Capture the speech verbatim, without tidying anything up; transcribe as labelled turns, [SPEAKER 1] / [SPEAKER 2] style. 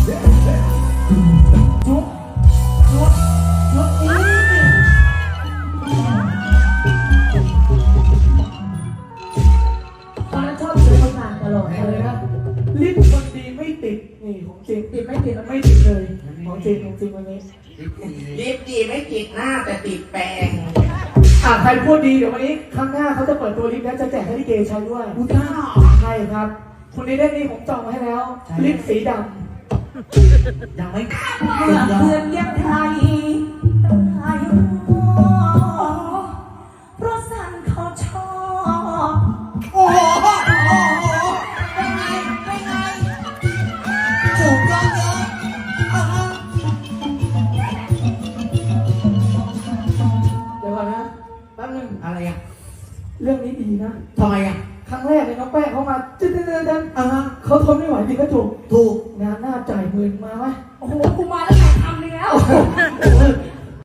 [SPEAKER 1] จุ๊บจุ๊บจุ๊บอีตอนนั้นชอบซื้อมาทานตลอดเลยนะลิ้นคนดีไม่ติดนี่ของจริงติดไม่ติดมันไม่ติดเลยของจริงของจริงวันนี้
[SPEAKER 2] ลิปดีไม่ติดหน้าแต่ติดแปรง
[SPEAKER 1] อ่ะใครพูดดีเดี๋ยววันนี้ครั้งหน้าเขาจะเปิดตัวลิปแล้วจะแจกให้ลิเกใช้ด้วย
[SPEAKER 2] คุณท่า
[SPEAKER 1] ใช่ครับคุณนี้ได้นี่ผมจองมาให้แล้วลิปสีด
[SPEAKER 2] ำยังไม่
[SPEAKER 3] เพื่อนยังไทยไทยเพราะสันเขาชอบ
[SPEAKER 2] โอ้โหโอ้โหเป็นไงเป็นไงถูกต้องเยอะ
[SPEAKER 1] เดี๋ยวก่อนนะแป๊บนึง
[SPEAKER 2] อะไรอ่ะ
[SPEAKER 1] เรื่องนี้ดีนะ
[SPEAKER 2] ทำไมอ่ะ
[SPEAKER 1] ครั้งแรกเลยน้องแป้งเขามาจืดๆดัน
[SPEAKER 2] อ่า
[SPEAKER 1] เขาทนไม่ไหวจริงก็ถูก
[SPEAKER 2] ถูก
[SPEAKER 1] งานหน้าจ่ายหมื่นมาไหม
[SPEAKER 3] โอ้โหกูมาแล้วหลายคำเลยแล้ว